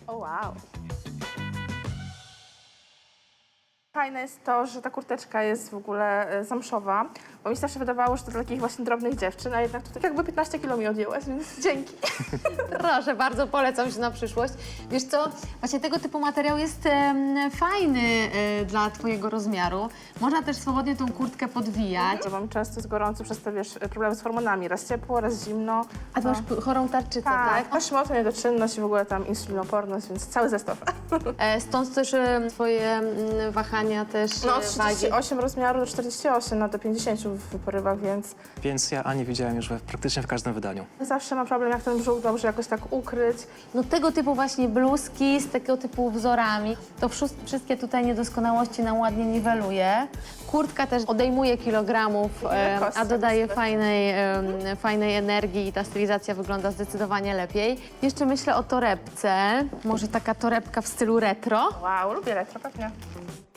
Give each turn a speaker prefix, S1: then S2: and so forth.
S1: O wow. Fajne jest to, że ta kurteczka jest w ogóle zamszowa, bo mi się zawsze wydawało, że to dla takich właśnie drobnych dziewczyn, a jednak tutaj jakby 15 kilo mi odjęłaś, więc dzięki.
S2: Proszę, bardzo polecam się na przyszłość. Wiesz co, właśnie tego typu materiał jest fajny dla twojego rozmiaru. Można też swobodnie tą kurtkę podwijać.
S1: Bo mam często jest gorąco przez te, wiesz, problemy z hormonami. Raz ciepło, raz zimno.
S2: A ty masz chorą tarczycę, tak?
S1: Tak, masz mocną niedoczynność i w ogóle tam insulinooporność, więc cały zestaw.
S2: Stąd też twoje wahania też
S1: No od
S2: wagi.
S1: 38 rozmiaru do 48, no do 50 w porywach, więc
S3: Więc ja Ani widziałem już praktycznie w każdym wydaniu.
S1: zawsze mam problem, jak ten brzuch dobrze jakoś tak ukryć.
S2: No tego typu właśnie bluzki z tego typu wzorami, to wszystkie tutaj niedoskonałości nam ładnie niweluje. Kurtka też odejmuje kilogramów,
S1: lekkość
S2: a dodaje
S1: sobie.
S2: fajnej energii i ta stylizacja wygląda zdecydowanie lepiej. Jeszcze myślę o torebce, może taka torebka w stylu retro.
S1: Wow, lubię retro, pewnie.